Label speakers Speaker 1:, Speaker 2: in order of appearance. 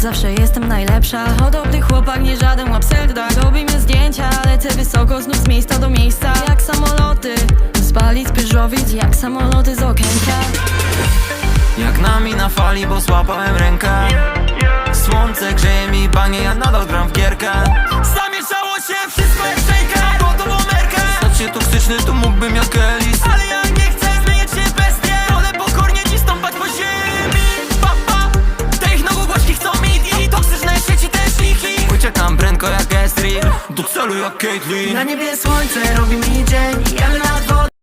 Speaker 1: zawsze jestem najlepsza. Podobny chłopak, nie żaden łapselda. Robimy zdjęcia, lecę wysoko, znów z miejsca do miejsca. Jak samoloty, z Bali, z Pyżowic, jak samoloty z okienka.
Speaker 2: Jak nami na fali, bo złapałem rękę. Słońce grzeje mi panie, ja nadal gram w gierkę. Zamieszało się wszystko jak szejka, bo to bomerkę. Stać się toksyczny, to mógłbym jak Elis, ale ja nie chcę zmieniać się w bestię. Wolę pokornie dziś stąpać po ziemi. Papa, te ich nogogłośki chcą mi i toksyczne sieci też ich. Uciekam prędko jak Estrid, do celu jak Caitlyn.
Speaker 3: Na niebie słońce robi mi dzień, jadę na dworze.